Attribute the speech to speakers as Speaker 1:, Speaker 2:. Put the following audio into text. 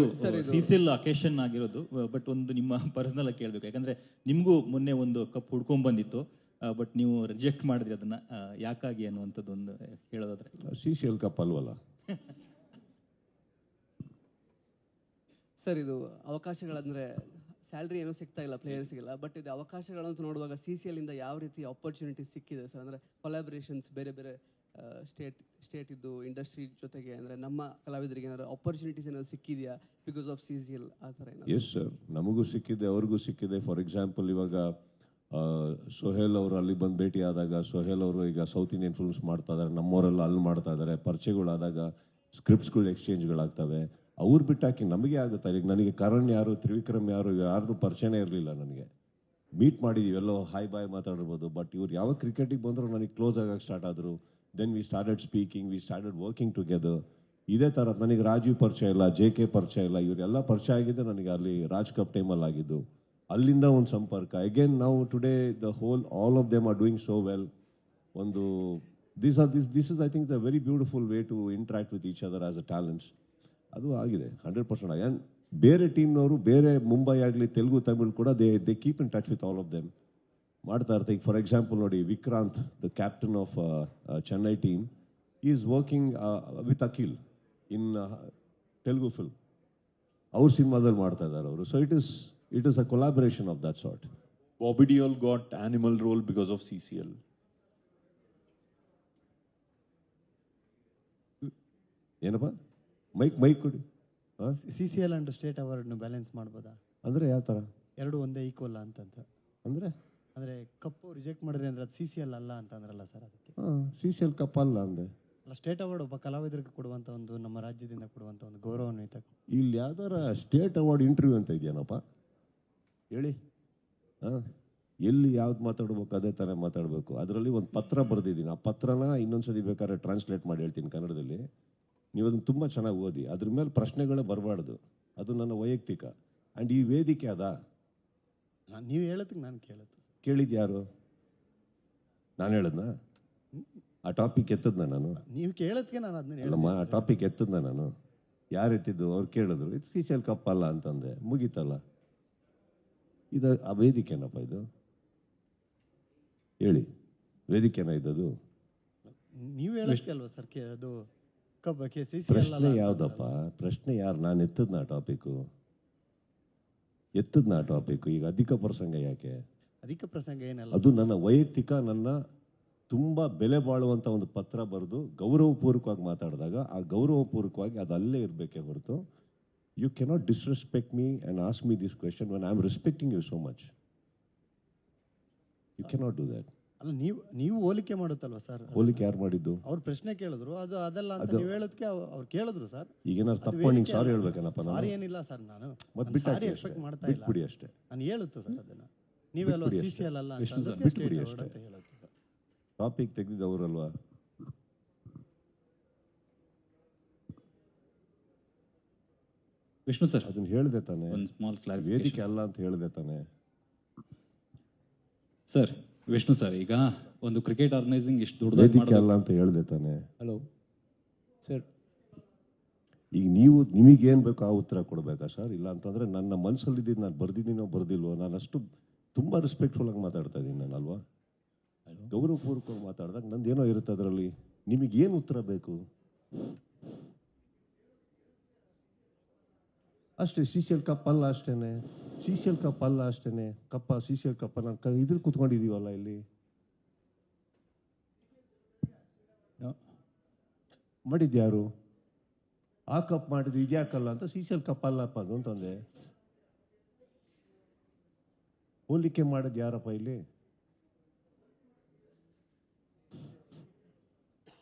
Speaker 1: CCL occasion ಆಗಿರೋದು, but ಒಂದು ನಿಮ್ಮ ಪರ್ಸನಲ್ ಆಗಿ ಕೇಳಬೇಕು. ಯಾಕಂದ್ರೆ ನಿಮಗೂ ಮೊನ್ನೆ ಒಂದು ಕಪ್ ಹುಡ್ಕೊಂಡ್ ಬಂದಿತ್ತು, ಬಟ್ ನೀವು ರಿಜೆಕ್ಟ್ ಮಾಡಿದ್ರಿ ಅದನ್ನ, ಯಾಕಾಗಿ ಅನ್ನುವಂಥದ್ದು ಒಂದು ಹೇಳೋದಾದ್ರೆ.
Speaker 2: ಸಿಸಿಎಲ್ ಕಪ್ ಅಲ್ವಲ್ಲ
Speaker 3: ಸರ್. ಇದು ಅವಕಾಶಗಳಂದ್ರೆ ಸ್ಯಾಲ್ರಿ ಏನೂ ಸಿಗ್ತಾ ಇಲ್ಲ ಪ್ಲೇಯರ್ಸ್ಗೆಲ್ಲ, ಬಟ್ ಇದು ಅವಕಾಶಗಳಂತ ನೋಡುವಾಗ CCL ಇಂದ ಯಾವ ರೀತಿ ಆಪರ್ಚುನಿಟಿ ಸಿಕ್ಕಿದೆ ಸರ್? ಅಂದ್ರೆ ಕೊಲಾಬರೇಷನ್ಸ್ ಬೇರೆ ಬೇರೆ ಸ್ಟೇಟ್ ಇದ್ದು ಇಂಡಸ್ಟ್ರಿ ಜೊತೆಗೆ, ಅಂದ್ರೆ ನಮ್ಮ ಕಲಾವಿದರಿಗೆ ಏನಾದ್ರು ಆಪರ್ಚುನಿಟೀಸ್ ಏನಾದ್ರು ಸಿಕ್ಕಿದೆಯಾ ಬಿಕಾಸ್ ಆಫ್ CCL ಆ ಥರ ಏನಾದ್ರು?
Speaker 2: ಎಸ್ ಸರ್, ನಮಗೂ ಸಿಕ್ಕಿದೆ, ಅವ್ರಿಗೂ ಸಿಕ್ಕಿದೆ. ಫಾರ್ ಎಕ್ಸಾಂಪಲ್ ಇವಾಗ ಸೊಹೇಲ್ ಅವರು ಅಲ್ಲಿ ಬಂದು ಭೇಟಿ ಆದಾಗ, ಸೊಹೇಲ್ ಅವರು ಈಗ ಸೌತ್ ಇಂಡಿಯನ್ ಫಿಲ್ಮ್ಸ್ ಮಾಡ್ತಾ ಇದ್ದಾರೆ, ನಮ್ಮವರೆಲ್ಲ ಅಲ್ಲಿ ಮಾಡ್ತಾ ಇದ್ದಾರೆ. ಪರಿಚಯಗಳಾದಾಗ ಸ್ಕ್ರಿಪ್ಟ್ಸ್ಗಳು ಎಕ್ಸ್ಚೇಂಜ್ಗಳಾಗ್ತವೆ. ಅವ್ರು ಬಿಟ್ಟಾಕಿ ನಮಗೆ ಆಗುತ್ತೆ. ಈಗ ನನಗೆ ಕರಣ್ ಯಾರು, ತ್ರಿವಿಕ್ರಮ್ ಯಾರು, ಯಾರ್ದು ಪರಿಚಯನೇ ಇರಲಿಲ್ಲ. ನನಗೆ ಮೀಟ್ ಮಾಡಿದೀವಿ, ಎಲ್ಲೋ ಹಾಯ್ ಬಾಯ್ ಮಾತಾಡಿರ್ಬೋದು, ಬಟ್ ಇವ್ರು ಯಾವ ಕ್ರಿಕೆಟಿಗೆ ಬಂದರೂ ನನಗೆ ಕ್ಲೋಸ್ ಆಗಕ್ಕೆ ಸ್ಟಾರ್ಟ್ ಆದರು. Then we started speaking, we started working together. ಇದೇ ಥರ ನನಗೆ ರಾಜೀವ್ ಪರಿಚಯ ಇಲ್ಲ, JK ಪರಿಚಯ ಇಲ್ಲ, ಇವರೆಲ್ಲ ಪರಿಚಯ ಆಗಿದ್ದು ನನಗೆ ಅಲ್ಲಿ ರಾಜ್ ಕಪ್ ಟೈಮಲ್ಲಿ ಆಗಿದ್ದು. ಅಲ್ಲಿಂದ ಒಂದು ಸಂಪರ್ಕ. ಅಗೇನ್ ನಾವು today the whole all of them are doing so well. ಒಂದು this is I think the very beautiful way to interact with each other as a talents. ಅದು ಆಗಿದೆ 100%. ಆ್ಯಂಡ್ ಬೇರೆ ಟೀಮ್ನವರು, ಬೇರೆ ಮುಂಬೈ ಆಗಲಿ, ತೆಲುಗು, ತಮಿಳ್ ಕೂಡ they keep in touch with all of them, ಮಾಡ್ತಾ ಇರ್ತಾರೆ. ಈಗ ಫಾರ್ ಎಕ್ಸಾಂಪಲ್ ನೋಡಿ, Vikranth, the captain of Chennai team, is working with Akhil in Telugu film. ಅವ್ರ ಸಿನಿಮಾದಲ್ಲಿ ಮಾಡ್ತಾ ಇದ್ದಾರೆ ಅವರು. So it is a collaboration of that sort.
Speaker 4: Bobby Deol got animal role because of CCL.
Speaker 2: ಏನಪ್ಪ ಮೈಕ್ ಕೊಡಿ.
Speaker 5: CCL ಅಂಡ್ ಸ್ಟೇಟ್ ಅವಾರ್ಡ್ನ balance ಮಾಡ್ಬೋದಾ?
Speaker 2: ಅಂದರೆ ಯಾವ ಥರ?
Speaker 5: ಎರಡು ಒಂದೇ ಈಕ್ವಲ್ ಅಂತಂತ ಅಂದರೆ ಕಪ್ಪು ರಿಜೆಕ್ಟ್ ಮಾಡಿದ್ರೆ ಅಂದ್ರೆ ಅದು CCL ಅಲ್ಲ ಅಂತ ಅಂದ್ರಲ್ಲ ಸರ್, ಅದಕ್ಕೆ.
Speaker 2: CCL ಕಪ್ ಅಲ್ಲ ಅಂದೆ.
Speaker 5: ಅಲ್ಲ, ಸ್ಟೇಟ್ ಅವಾರ್ಡ್ ಒಬ್ಬ ಕಲಾವಿದರಿಗೆ ಕೊಡುವಂಥ ಒಂದು, ನಮ್ಮ ರಾಜ್ಯದಿಂದ ಕೊಡುವಂಥ ಒಂದು ಗೌರವಾನ್ವಿತ.
Speaker 2: ಇಲ್ಲಿ ಯಾವ್ದಾರ ಸ್ಟೇಟ್ ಅವಾರ್ಡ್ ಇಂಟರ್ವ್ಯೂ ಅಂತ ಇದೆಯೇನಪ್ಪ ಹೇಳಿ? ಎಲ್ಲಿ ಯಾವ್ದು ಮಾತಾಡ್ಬೇಕು ಅದೇ ಥರ ಮಾತಾಡಬೇಕು. ಅದರಲ್ಲಿ ಒಂದು ಪತ್ರ ಬರೆದಿದ್ದೀನಿ. ಆ ಪತ್ರನ ಇನ್ನೊಂದ್ಸತಿ ಬೇಕಾದ್ರೆ ಟ್ರಾನ್ಸ್ಲೇಟ್ ಮಾಡಿ ಹೇಳ್ತೀನಿ ಕನ್ನಡದಲ್ಲಿ. ನೀವು ಅದನ್ನು ತುಂಬ ಚೆನ್ನಾಗಿ ಓದಿ. ಅದ್ರ ಮೇಲೆ ಪ್ರಶ್ನೆಗಳೇ ಬರಬಾರ್ದು. ಅದು ನನ್ನ ವೈಯಕ್ತಿಕ. ಆ್ಯಂಡ್ ಈ ವೇದಿಕೆ ಅದಾ?
Speaker 5: ನೀವು ಹೇಳೋದಕ್ಕೆ ನಾನು
Speaker 2: ಕೇಳಿದ್ದು ಯಾರು? ನಾನು ಹೇಳದ್ನಾ? ಆ ಟಾಪಿಕ್ ಎತ್ತದ್ನ ನಾನು?
Speaker 5: ನೀವು ಕೇಳೋದಕ್ಕೆ ನಾನು ಅದನ್ನ
Speaker 2: ಹೇಳಮ್ಮ. ಆ ಟಾಪಿಕ್ ಎತ್ತದ್ನ ನಾನು? ಯಾರು ಎತ್ತಿದ್ದು? ಅವ್ರು ಕೇಳಿದ್ರು, ಇದು CCL ಕಪ್ ಅಲ್ಲ ಅಂತಂದೆ, ಮುಗೀತಲ್ಲ. ಇದು ಆ ವೇದಿಕೆನಪ್ಪ ಇದು? ಹೇಳಿ, ವೇದಿಕೆನ ಇದ್ದದು?
Speaker 5: ನೀವು ಹೇಳೋದಕ್ಕೆ ಅಲ್ವಾ ಸರ್ ಅದು ಕಬ್ಬಕ್ಕೆ?
Speaker 2: ಪ್ರಶ್ನೆ ಯಾವ್ದಪ್ಪ? ಪ್ರಶ್ನೆ ಯಾರು? ನಾನು ಎತ್ತದ್ನ ಟಾಪಿಕ್ಕು? ಈಗ ಅಧಿಕ ಪ್ರಸಂಗ ಯಾಕೆ?
Speaker 5: ಅಧಿಕ ಪ್ರಸಂಗ ಏನಲ್ಲ,
Speaker 2: ಅದು ನನ್ನ ವೈಯಕ್ತಿಕ, ನನ್ನ ತುಂಬ ಬೆಲೆ ಬಾಳುವಂಥ ಒಂದು ಪತ್ರ ಬರೆದು ಗೌರವಪೂರ್ವಕವಾಗಿ ಮಾತಾಡಿದಾಗ ಆ ಗೌರವಪೂರ್ವಕವಾಗಿ ಅದು ಅಲ್ಲೇ ಇರಬೇಕೇ ಹೊರತು you cannot disrespect me and ask me this question when I am respecting you so much. You cannot do that.
Speaker 5: ಅಲ್ಲ, ನೀವು ಹೋಲಿಕೆ ಮಾಡುತ್ತಲ್ವಾ ಸರ್?
Speaker 2: ಹೋಲಿಕೆ ಯಾರು ಮಾಡಿದ್ದು?
Speaker 5: ಅವ್ರು ಪ್ರಶ್ನೆ ಕೇಳಿದ್ರು, ಅದು ಅದಲ್ಲ ಅಂತ ನೀವು ಹೇಳೋದಕ್ಕೆ ಅವ್ರು ಕೇಳಿದ್ರು ಸರ್.
Speaker 2: ಈಗ ಏನಾದ್ರು ತಪ್ಪು ನಿಂಗೆ ಸಾರಿ ಹೇಳ್ಬೇಕೇನಪ್ಪ?
Speaker 5: ಸಾರಿ ಏನಿಲ್ಲ ಸರ್, ನಾನು
Speaker 2: ಮತ್ತೆ
Speaker 5: ಸಾರಿ ಎಕ್ಸ್ಪೆಕ್ಟ್ ಮಾಡ್ತಾ ಇಲ್ಲ.
Speaker 2: ಬಿಟ್ಬಿಡಿ ಅಷ್ಟೇ.
Speaker 5: ನಾನು ಹೇಳುತ್ತೆ ಸರ್ ಅದನ್ನ. ನೀವೆಲ್ಲ CCL ಅಲ್ಲ ಅಂತ
Speaker 2: ಬಿಟ್ಬಿಡಿ ಅಷ್ಟೇ. ಟಾಪಿಕ್ ತೆಗೆದಿದ್ದವರಲ್ವಾ?
Speaker 1: ವಿಷ್ಣು ಸರ್,
Speaker 2: ಅದನ್ನ ಹೇಳ್ದೆ ತಾನೆ?
Speaker 1: ಒಂದು ಸ್ಮಾಲ್ ಕ್ಲಾರಿಫಿಕೇಶನ್.
Speaker 2: ವೇದಿಕೆ ಅಲ್ಲ ಅಂತ ಹೇಳ್ದೆ ತಾನೆ
Speaker 1: ಸರ್? ವಿಷ್ಣು ಸರ್, ಈಗ ಒಂದು ಕ್ರಿಕೆಟ್ ಆರ್ಗನೈಸಿಂಗ್ ಇಷ್ಟು ದೊಡ್ಡದಾಗಿ
Speaker 2: ವೇದಿಕೆ ಅಲ್ಲ ಅಂತ ಹೇಳ್ದೆ ತಾನೆ?
Speaker 1: ಹಲೋ ಸರ್,
Speaker 2: ಈಗ ನೀವು ನಿಮಗೇನು ಬೇಕೋ ಆ ಉತ್ತರ ಕೊಡಬೇಕಾ ಸರ್? ಇಲ್ಲ ಅಂತಂದ್ರೆ ನನ್ನ ಮನಸ್ಸಲ್ಲಿದ್ದು ನಾನು ಬರ್ದಿದ್ದೀನೋ ಬರ್ದಿಲ್ವೋ, ನಾನು ಅಷ್ಟು ತುಂಬ ರೆಸ್ಪೆಕ್ಟ್ಫುಲ್ ಆಗಿ ಮಾತಾಡ್ತಾ ಇದ್ದೀನಿ ನಾನು, ಅಲ್ವಾ? ಗೌರವಪೂರ್ವಕವಾಗಿ ಮಾತಾಡಿದಾಗ ನಂದೇನೋ ಇರುತ್ತೆ ಅದರಲ್ಲಿ. ನಿಮಗೇನು ಉತ್ತರ ಬೇಕು ಅಷ್ಟೇ. CCL ಕಪ್ ಅಲ್ಲ ಅಷ್ಟೇನೆ. CCL ಕಪ್ ಅಲ್ಲ ಅಷ್ಟೇನೆ. CCL ಕಪ್ಪ ನಾನು ಇದ್ರ ಕುತ್ಕೊಂಡಿದೀವಲ್ಲ ಇಲ್ಲಿ. ಮಾಡಿದ್ಯಾರು? ಆ ಕಪ್ ಮಾಡಿದ್ರು, ಇದ್ಯಾಕಲ್ಲ ಅಂತ CCL ಕಪ್ ಅಲ್ಲಪ್ಪ ಅದು ಅಂತಂದೆ. ಹೋಲಿಕೆ ಮಾಡೋದು ಯಾರಪ್ಪ ಇಲ್ಲಿ?